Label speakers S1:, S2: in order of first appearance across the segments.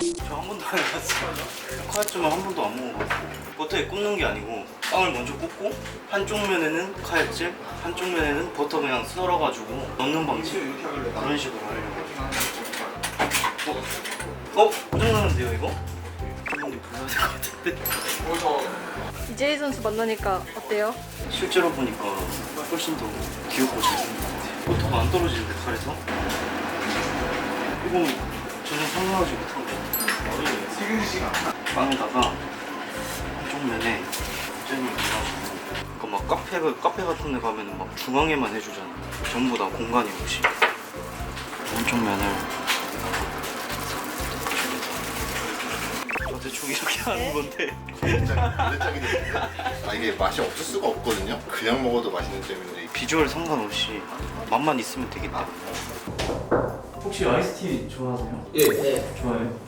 S1: 저 한 번도 안 해봤어요. 카야찜은 한 번도 안 먹어봤어요. 버터에 굽는 게 아니고 빵을 먼저 굽고 한쪽 면에는 카야찜, 한쪽 면에는 버터 그냥 썰어가지고 넣는 방식. 그런 식으로 하려고. 고장나는데요 이거? 한번 불러야 될 것 같은데.
S2: 이재희 선수 만나니까 어때요?
S1: 실제로 보니까 훨씬 더 귀엽고 잘생긴 것 같아요. 버터가 안 떨어지는데 칼에서? 이건 전혀 상상하지 못한 거 같아요. 빵에다가 한쪽 면에 잼을 발라주고 그러니까 막 카페 같은 데 가면은 막 중앙에만 해주잖아. 전부 다 공간이 없이 한쪽 면을 저 대충 이렇게 하는 건데
S3: 이게 맛이 없을 수가 없거든요. 그냥 먹어도 맛있는 잼인데
S1: 비주얼 상관없이 맛만 있으면 되기 때문에. 혹시 아이스티 좋아하세요?
S4: 예. 네.
S1: 좋아해요?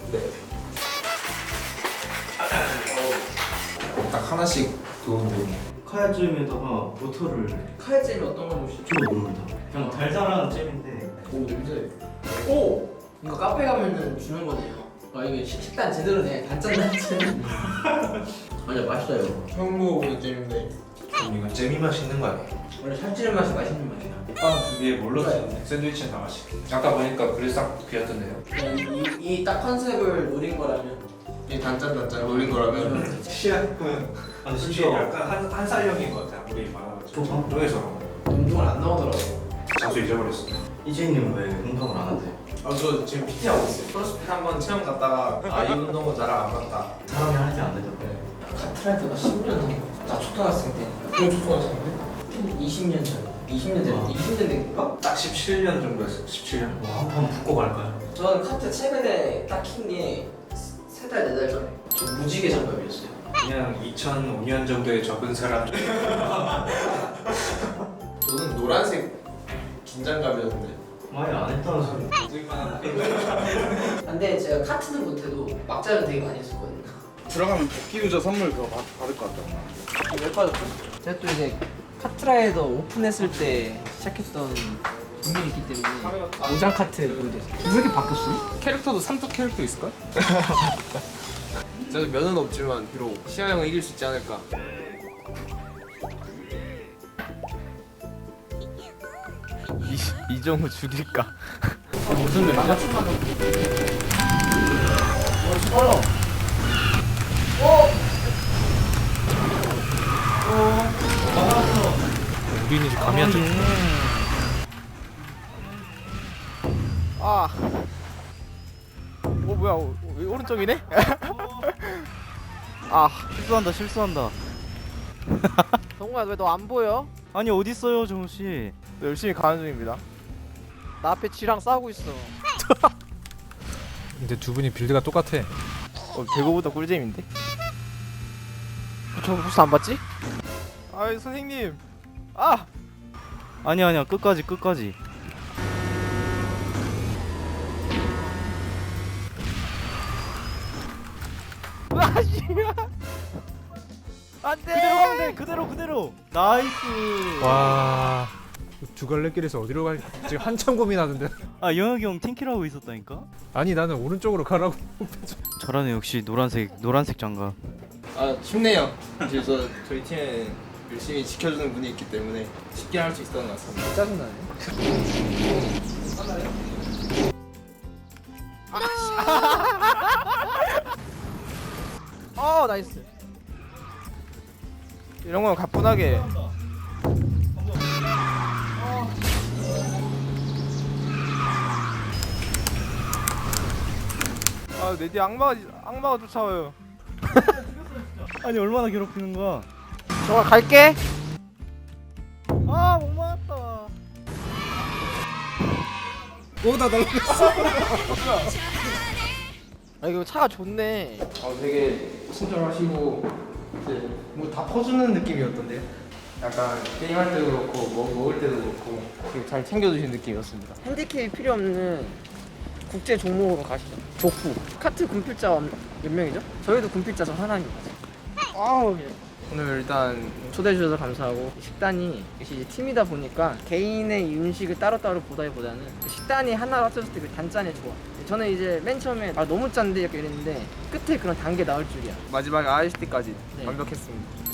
S4: 딱 하나씩 넣으면
S1: 카야잼에다가 버터를
S4: 카야잼이 어떤 걸 넣으시죠?
S1: 좀 모른다. 그냥 달달한 잼인데
S4: 오 냄새. 오! 이거 카페 가면은 주는 거네요. 아 이게 식단 제대로네. 단짠 단짠. 아니야 맛있어요. 처음 먹어보는 잼인데
S5: 이건 잼이 맛있는 거 아니에요?
S4: 원래 살찌는 맛이 맛있는 맛이야.
S5: 빵 두 개에 뭘로 쓰는데 샌드위치는 다 맛있게. 아까 보니까 그릇 싹 비었던데요.
S4: 이 딱 컨셉을 노린 거라면 이 단짠 노린 거라면
S5: 시약은
S1: 진짜
S5: 약간 한 살형인 것 같아. 아무리 많아가지고. 쪽에서
S4: 운동을 안 나오더라고.
S5: 장소 잊어버렸어.
S1: 이재희님 왜 운동을 안 하세요?
S5: 저 지금 PT 하고 있어요. 크로스핏 한번 체험 갔다가 이 운동은 나랑 안 맞다.
S1: 사람이 할 때 안 되더라고요.
S4: 카트라이더가 10년 전. 나 초등학생 때. 그럼 초등학생 때? 20년 전. 20년 전. 20년 된가?
S5: 딱 17년 정도였어요. 17년.
S1: 한번 붙고 갈까요?
S4: 저는 카트 최근에 딱 킨 게 3달, 4달 전에. 저 무지개 장갑이었어요.
S5: 그냥 2005년 정도에 접은 사람.
S4: 저는 노란색 긴장감이었는데.
S1: 많이 안 했다는 소리.
S4: 근데 제가 카트는 못해도 막자는 되게 많이 했었거든요.
S6: 들어가면 복귀 유저 선물 그거 받을 것 같다.
S4: 왜 빠졌죠? 제가 또 이제 카트라이더 오픈했을 때 시작했던 분들이 있기 때문에 무장 카트 모델. 왜 이렇게 바뀌었어?
S7: 캐릭터도 삼뚝 캐릭터 있을걸? 저도 면은 없지만 비록 시아 형을 이길 수 있지 않을까.
S8: 이정우 죽일까?
S4: 무슨 맵이죠?
S8: 우리는 이제 감이 안 잡혀. 아. 뭐야? 왜 오른쪽이네? 아, 실수한다.
S9: 정우야 왜 너 안 보여?
S8: 아니 어디 있어요, 정우 씨?
S9: 열심히 가는 중입니다. 나 앞에 쥐랑 싸우고 있어.
S8: 근데 두 분이 빌드가 똑같아.
S9: 배고보다 꿀잼인데? 저 혹시 안 봤지? 아이 선생님. 아!
S8: 아니야, 끝까지.
S9: 아 씨야. 안돼.
S8: 그대로 가면 돼. 그대로. 나이스.
S5: 와. 두 갈래길에서 어디로 갈지 지금 한참 고민하는데.
S8: 아, 영혁이 형 팅키라고 있었다니까?
S5: 아니 나는 오른쪽으로 가라고.
S8: 잘하네, 역시 노란색 장갑.
S4: 아 쉽네요. 그래서 저희 팀에 열심히 지켜주는 분이 있기 때문에 쉽게 할 수 있었던 것 같습니다. 짜증나네.
S9: 나이스. 이런 건 가뿐하게. 내 뒤에 악마가 쫓아와요.
S8: 아니, 얼마나 괴롭히는 거야?
S9: 정말 갈게. 못 맞았다.
S4: 오다 넘겼어.
S9: 이거 차가 좋네.
S4: 되게 친절하시고 이제 뭐 다 퍼주는 느낌이었던데요. 약간 게임할 때도 그렇고 뭐 먹을 때도 그렇고 되게 잘 챙겨주신 느낌이었습니다.
S9: 핸디캡이 필요 없는 국제 종목으로 가시죠. 족구. 카트 군필자 몇 명이죠? 저희도 군필자 저 하나입니다. 오늘 일단 초대해 주셔서 감사하고, 식단이 역시 팀이다 보니까 개인의 음식을 따로따로 보다기보다는 식단이 하나로 합쳐졌을 때 그 단짠의 조화, 저는 이제 맨 처음에 너무 짠데 약간 이랬는데 끝에 그런 단계 나올 줄이야.
S7: 마지막에 IST까지
S9: 네.
S7: 완벽했습니다.